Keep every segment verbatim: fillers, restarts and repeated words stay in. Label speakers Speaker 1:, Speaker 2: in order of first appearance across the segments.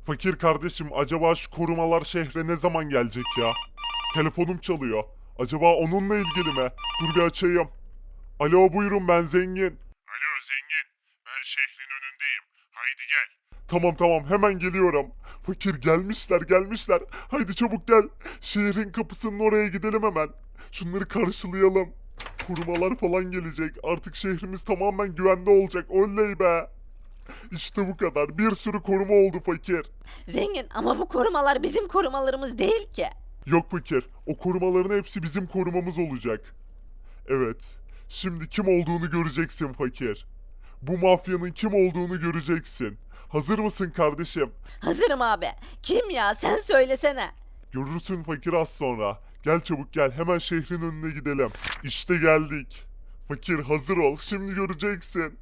Speaker 1: Fakir kardeşim, acaba şu korumalar şehre ne zaman gelecek ya? Telefonum çalıyor. Acaba onunla ilgili mi? Dur bir açayım. Alo, buyurun, ben zengin. Alo zengin. Ben şehrin önündeyim. Haydi gel. Tamam tamam, hemen geliyorum. Fakir, gelmişler gelmişler. Haydi çabuk gel. Şehrin kapısının oraya gidelim hemen. Şunları karşılayalım. Korumalar falan gelecek. Artık şehrimiz tamamen güvende olacak. Oley be. İşte bu kadar. Bir sürü koruma oldu fakir.
Speaker 2: Zengin ama bu korumalar bizim korumalarımız değil ki.
Speaker 1: Yok fakir. O korumaların hepsi bizim korumamız olacak. Evet. Şimdi kim olduğunu göreceksin fakir. Bu mafyanın kim olduğunu göreceksin. Hazır mısın kardeşim?
Speaker 2: Hazırım abi. Kim ya sen söylesene.
Speaker 1: Görürsün fakir az sonra. Gel çabuk gel. Hemen şehrin önüne gidelim. İşte geldik. Fakir hazır ol. Şimdi göreceksin.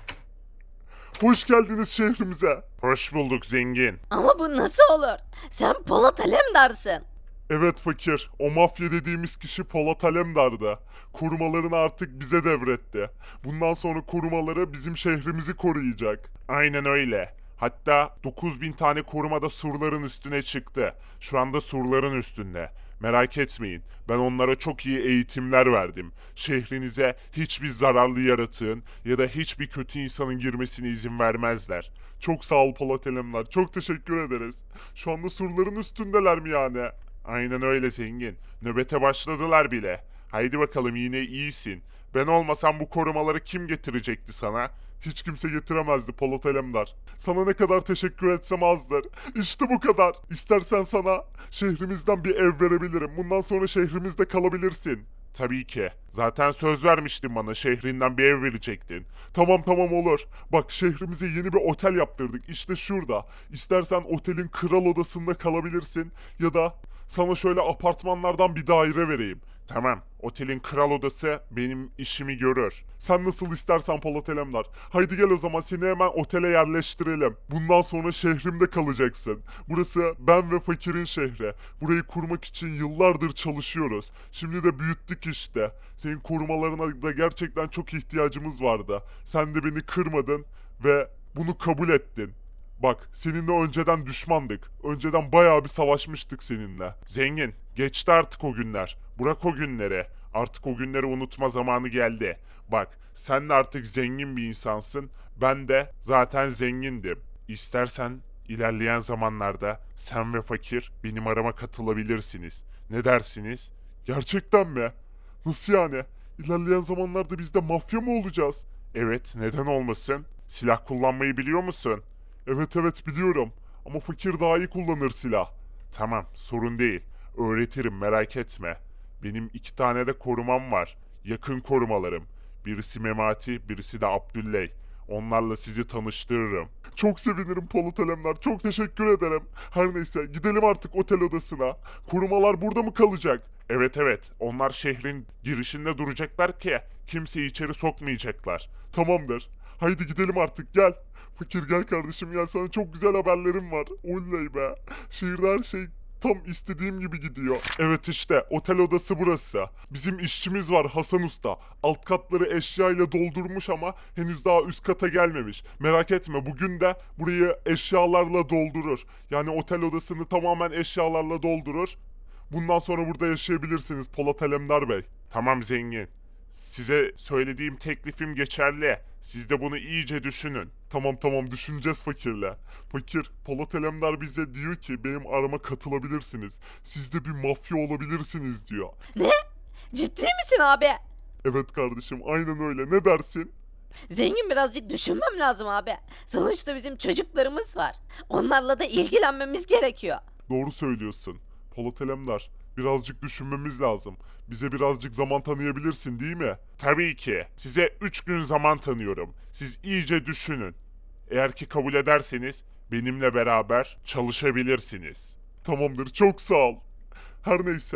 Speaker 1: Hoş geldiniz şehrimize. Hoş bulduk zengin.
Speaker 2: Ama bu nasıl olur? Sen Polat Alemdar'sın.
Speaker 1: Evet fakir, o mafya dediğimiz kişi Polat Alemdar'dı. Korumalarını artık bize devretti. Bundan sonra korumaları bizim şehrimizi koruyacak. Aynen öyle. Hatta dokuz bin tane koruma da surların üstüne çıktı. Şu anda surların üstünde. Merak etmeyin. Ben onlara çok iyi eğitimler verdim. Şehrinize hiçbir zararlı yaratığın ya da hiçbir kötü insanın girmesine izin vermezler. Çok sağ ol Polat Alemdar. Çok teşekkür ederiz. Şu anda surların üstündeler mi yani? Aynen öyle zengin. Nöbete başladılar bile. Haydi bakalım, yine iyisin. Ben olmasam bu korumaları kim getirecekti sana? Hiç kimse getiremezdi Polat Alemdar. Sana ne kadar teşekkür etsem azdır. İşte bu kadar. İstersen sana şehrimizden bir ev verebilirim. Bundan sonra şehrimizde kalabilirsin. Tabii ki. Zaten söz vermiştin bana, şehrinden bir ev verecektin. Tamam tamam, olur. Bak, şehrimize yeni bir otel yaptırdık. İşte şurada. İstersen otelin kral odasında kalabilirsin. Ya da sana şöyle apartmanlardan bir daire vereyim. Tamam, otelin kral odası benim işimi görür. Sen nasıl istersen Polat Alemdar. Haydi gel o zaman, seni hemen otele yerleştirelim. Bundan sonra şehrimde kalacaksın. Burası ben ve fakirin şehri. Burayı kurmak için yıllardır çalışıyoruz. Şimdi de büyüttük işte. Senin korumalarına da gerçekten çok ihtiyacımız vardı. Sen de beni kırmadın ve bunu kabul ettin. Bak, seninle önceden düşmandık. Önceden bayağı bir savaşmıştık seninle. Zengin, geçti artık o günler. Bırak o günleri. Artık o günleri unutma zamanı geldi. Bak, sen de artık zengin bir insansın. Ben de zaten zengindim. İstersen ilerleyen zamanlarda sen ve fakir benim arama katılabilirsiniz. Ne dersiniz? Gerçekten mi? Nasıl yani? İlerleyen zamanlarda biz de mafya mı olacağız? Evet, neden olmasın? Silah kullanmayı biliyor musun? Evet evet, biliyorum. Ama fakir daha iyi kullanır silah. Tamam, sorun değil. Öğretirim, merak etme. Benim iki tane de korumam var. Yakın korumalarım. Birisi Memati, birisi de Abdülley. Onlarla sizi tanıştırırım. Çok sevinirim Polat Alemdar. Çok teşekkür ederim. Her neyse, gidelim artık otel odasına. Korumalar burada mı kalacak? Evet evet. Onlar şehrin girişinde duracaklar ki kimseyi içeri sokmayacaklar. Tamamdır. Haydi gidelim artık, gel. Fakir gel kardeşim, gel, sana çok güzel haberlerim var. Oley be. Şehirde her şey tam istediğim gibi gidiyor. Evet, işte otel odası burası. Bizim işçimiz var, Hasan Usta. Alt katları eşyayla doldurmuş ama henüz daha üst kata gelmemiş. Merak etme, bugün de burayı eşyalarla doldurur. Yani otel odasını tamamen eşyalarla doldurur. Bundan sonra burada yaşayabilirsiniz Polat Alemdar Bey. Tamam zengin. Size söylediğim teklifim geçerli. Siz de bunu iyice düşünün. Tamam tamam, düşüneceğiz fakirle. Fakir, Polat Alemdar bize diyor ki benim arama katılabilirsiniz. Siz de bir mafya olabilirsiniz diyor.
Speaker 2: Ne? Ciddi misin abi?
Speaker 1: Evet kardeşim, aynen öyle. Ne dersin?
Speaker 2: Zengin, birazcık düşünmem lazım abi. Sonuçta bizim çocuklarımız var. Onlarla da ilgilenmemiz gerekiyor.
Speaker 1: Doğru söylüyorsun. Polat Alemdar, birazcık düşünmemiz lazım. Bize birazcık zaman tanıyabilirsin değil mi? Tabii ki. Size üç gün zaman tanıyorum. Siz iyice düşünün. Eğer ki kabul ederseniz benimle beraber çalışabilirsiniz. Tamamdır, çok sağ ol. Her neyse,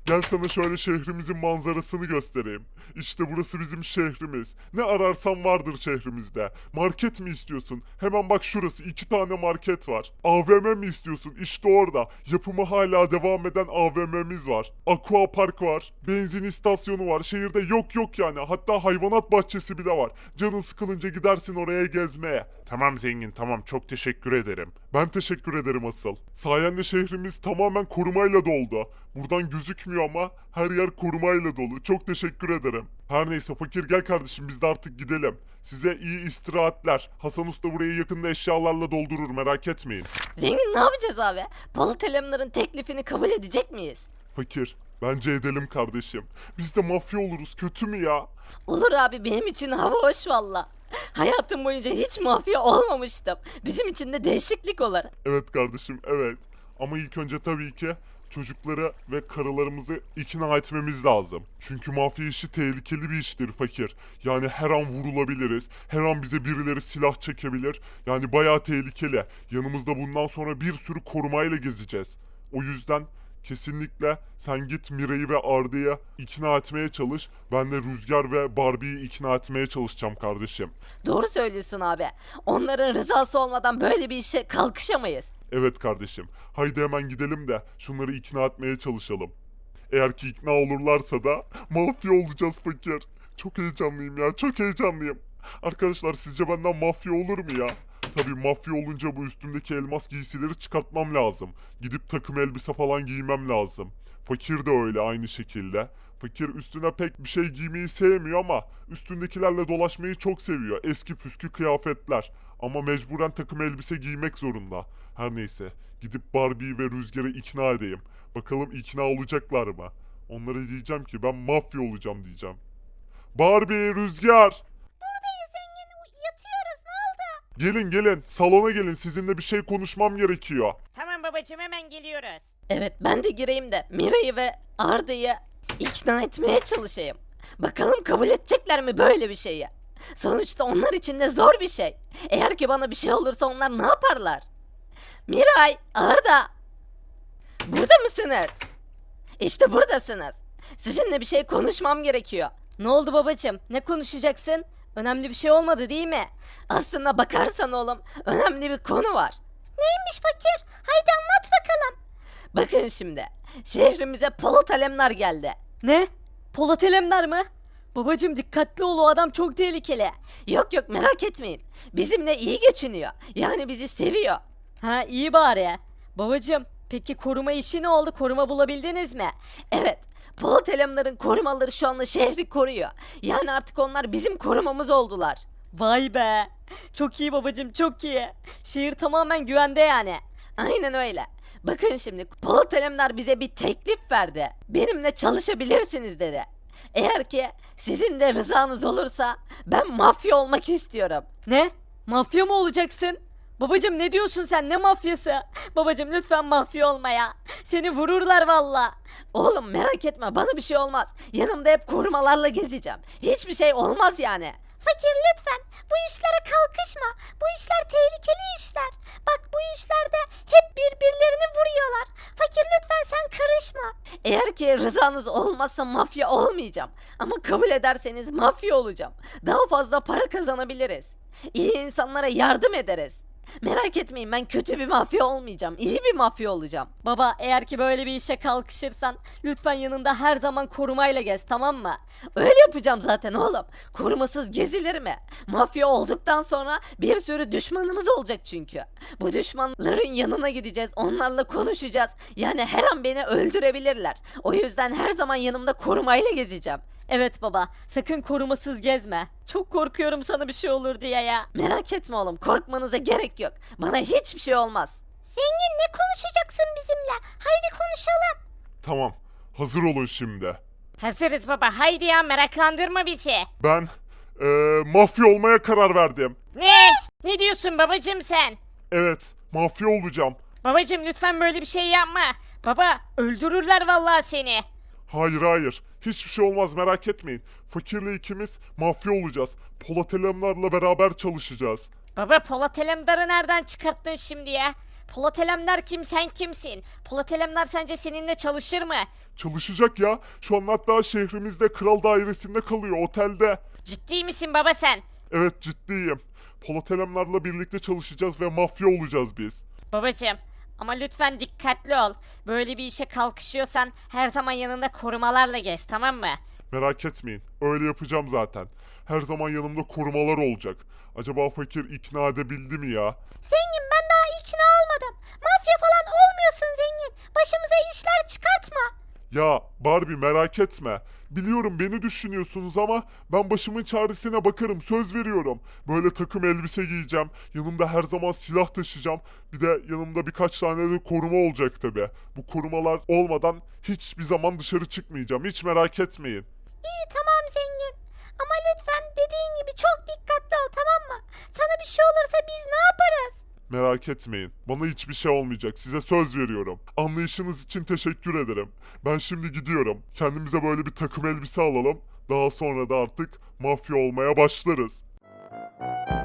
Speaker 1: Gel sana şöyle şehrimizin manzarasını göstereyim. İşte burası bizim şehrimiz. Ne ararsan vardır şehrimizde. Market mi istiyorsun? Hemen bak şurası iki tane market var. A V M mi istiyorsun? İşte orada. Yapımı hala devam eden A V M'miz var. Aqua Park var. Benzin istasyonu var. Şehirde yok yok yani. Hatta hayvanat bahçesi bile var. Canın sıkılınca gidersin oraya gezmeye. Tamam zengin tamam çok teşekkür ederim. Ben teşekkür ederim asıl. Sayende şehrimiz tamamen korumayla doldu. Buradan gözükmüyor ama her yer korumayla dolu. Çok teşekkür ederim. Her neyse fakir gel kardeşim biz de artık gidelim. Size iyi istirahatler. Hasan Usta burayı yakında eşyalarla doldurur merak etmeyin.
Speaker 2: Zengin ne yapacağız abi? Polat Alemdar'ın teklifini kabul edecek miyiz?
Speaker 1: Fakir bence edelim kardeşim. Biz de mafya oluruz kötü mü ya?
Speaker 2: Olur abi, benim için hava hoş valla. Hayatım boyunca hiç mafya olmamıştım. Bizim için de değişiklik olur.
Speaker 1: Evet kardeşim evet. Ama ilk önce tabii ki çocukları ve karılarımızı ikna etmemiz lazım. Çünkü mafya işi tehlikeli bir iştir fakir. Yani her an vurulabiliriz. Her an bize birileri silah çekebilir. Yani bayağı tehlikeli. Yanımızda bundan sonra bir sürü korumayla gezeceğiz. O yüzden kesinlikle sen git Mira'yı ve Arda'yı ikna etmeye çalış. Ben de Rüzgar ve Barbie'yi ikna etmeye çalışacağım kardeşim.
Speaker 2: Doğru söylüyorsun abi. Onların rızası olmadan böyle bir işe kalkışamayız.
Speaker 1: Evet kardeşim. Haydi hemen gidelim de şunları ikna etmeye çalışalım. Eğer ki ikna olurlarsa da mafya olacağız fakir. Çok heyecanlıyım ya, çok heyecanlıyım. Arkadaşlar sizce benden mafya olur mu ya? Tabii mafya olunca bu üstümdeki elmas giysileri çıkartmam lazım. Gidip takım elbise falan giymem lazım. Fakir de öyle aynı şekilde. Fakir üstüne pek bir şey giymeyi sevmiyor ama üstündekilerle dolaşmayı çok seviyor. Eski püskü kıyafetler. Ama mecburen takım elbise giymek zorunda. Her neyse gidip Barbie ve Rüzgar'ı ikna edeyim. Bakalım ikna olacaklar mı? Onlara diyeceğim ki ben mafya olacağım diyeceğim. Barbie, Rüzgar!
Speaker 2: Buradayız zengin. Yatıyoruz, ne oldu?
Speaker 1: Gelin gelin salona gelin sizinle bir şey konuşmam gerekiyor.
Speaker 3: Tamam babacığım hemen geliyoruz.
Speaker 2: Evet, ben de gireyim de Mira'yı ve Arda'yı ikna etmeye çalışayım. Bakalım kabul edecekler mi böyle bir şeyi? Sonuçta onlar için de zor bir şey. Eğer ki bana bir şey olursa onlar ne yaparlar? Miray, Arda. Burada mısınız? İşte buradasınız. Sizinle bir şey konuşmam gerekiyor. Ne oldu babacığım? Ne konuşacaksın? Önemli bir şey olmadı değil mi? Aslında bakarsan oğlum, önemli bir konu var. Neymiş fakir? Haydi anlat bakalım. Bakın şimdi. Şehrimize Polat Alemdar geldi. Ne? Polat Alemdar mı? Babacım dikkatli ol, o adam çok tehlikeli. Yok yok, merak etmeyin. Bizimle iyi geçiniyor. Yani bizi seviyor. Ha, iyi bari. Babacım peki koruma işi ne oldu? Koruma bulabildiniz mi? Evet. Polat Alemdar'ın korumaları şu anda şehri koruyor. Yani artık onlar bizim korumamız oldular. Vay be. Çok iyi babacım, çok iyi. Şehir tamamen güvende yani. Aynen öyle. Bakın şimdi Polat Alemdar bize bir teklif verdi. Benimle çalışabilirsiniz dedi. Eğer ki sizin de rızanız olursa ben mafya olmak istiyorum. Ne? Mafya mı olacaksın? Babacım ne diyorsun sen, ne mafyası? Babacım lütfen mafya olma ya. Seni vururlar valla. Oğlum merak etme, bana bir şey olmaz. Yanımda hep korumalarla gezeceğim. Hiçbir şey olmaz yani. Fakir lütfen bu işlere kalkışma. Bu işler tehlikeli işler. Bak bu işlerde hep birbirlerini vuruyorlar. Fakir lütfen sen karışma. Eğer ki rızanız olmazsa mafya olmayacağım. Ama kabul ederseniz mafya olacağım. Daha fazla para kazanabiliriz. İyi insanlara yardım ederiz. Merak etmeyin, ben kötü bir mafya olmayacağım. İyi bir mafya olacağım. Baba eğer ki böyle bir işe kalkışırsan lütfen yanında her zaman korumayla gez, tamam mı? Öyle yapacağım zaten oğlum. Korumasız gezilir mi? Mafya olduktan sonra bir sürü düşmanımız olacak çünkü. Bu düşmanların yanına gideceğiz. Onlarla konuşacağız. Yani her an beni öldürebilirler. O yüzden her zaman yanımda korumayla gezeceğim. Evet baba, sakın korumasız gezme. Çok korkuyorum sana bir şey olur diye ya. Merak etme oğlum, korkmanıza gerek yok. Bana hiçbir şey olmaz. Zengin, ne konuşacaksın bizimle? Haydi konuşalım.
Speaker 1: Tamam hazır olun şimdi.
Speaker 3: Hazırız baba, haydi ya, meraklandırma bizi.
Speaker 1: Ben eee, mafya olmaya karar verdim.
Speaker 3: Ne? Ne diyorsun babacığım sen?
Speaker 1: Evet mafya olacağım.
Speaker 3: Babacığım lütfen böyle bir şey yapma. Baba öldürürler vallahi seni.
Speaker 1: Hayır hayır. Hiçbir şey olmaz merak etmeyin. Fakirle ikimiz mafya olacağız. Polat Alemdar'la beraber çalışacağız.
Speaker 3: Baba Polat Alemdar'ı nereden çıkarttın şimdi ya? Polat Alemdar kim, sen kimsin? Polat Alemdar sence seninle çalışır mı?
Speaker 1: Çalışacak ya. Şu an hatta şehrimizde kral dairesinde kalıyor, otelde.
Speaker 3: Ciddi misin baba sen?
Speaker 1: Evet, ciddiyim. Polat Alemdar'la birlikte çalışacağız ve mafya olacağız biz.
Speaker 3: Babacım, ama lütfen dikkatli ol. Böyle bir işe kalkışıyorsan her zaman yanında korumalarla gez, tamam mı?
Speaker 1: Merak etmeyin. Öyle yapacağım zaten. Her zaman yanımda korumalar olacak. Acaba fakir ikna edebildi mi ya?
Speaker 2: Zengin, ben daha ikna olmadım. Mafya falan olmuyorsun zengin. Başımıza işler çıkartma.
Speaker 1: Ya Barbie, merak etme. Biliyorum beni düşünüyorsunuz ama ben başımın çaresine bakarım, söz veriyorum. Böyle takım elbise giyeceğim. Yanımda her zaman silah taşıyacağım. Bir de yanımda birkaç tane de koruma olacak tabi. Bu korumalar olmadan hiçbir zaman dışarı çıkmayacağım. Hiç merak etmeyin.
Speaker 2: İyi, tamam zengin. Ama lütfen dediğin gibi çok dikkatli ol, tamam mı? Sana bir şey olursa biz ne yaparız?
Speaker 1: Merak etmeyin. Bana hiçbir şey olmayacak. Size söz veriyorum. Anlayışınız için teşekkür ederim. Ben şimdi gidiyorum. Kendimize böyle bir takım elbise alalım. Daha sonra da artık mafya olmaya başlarız.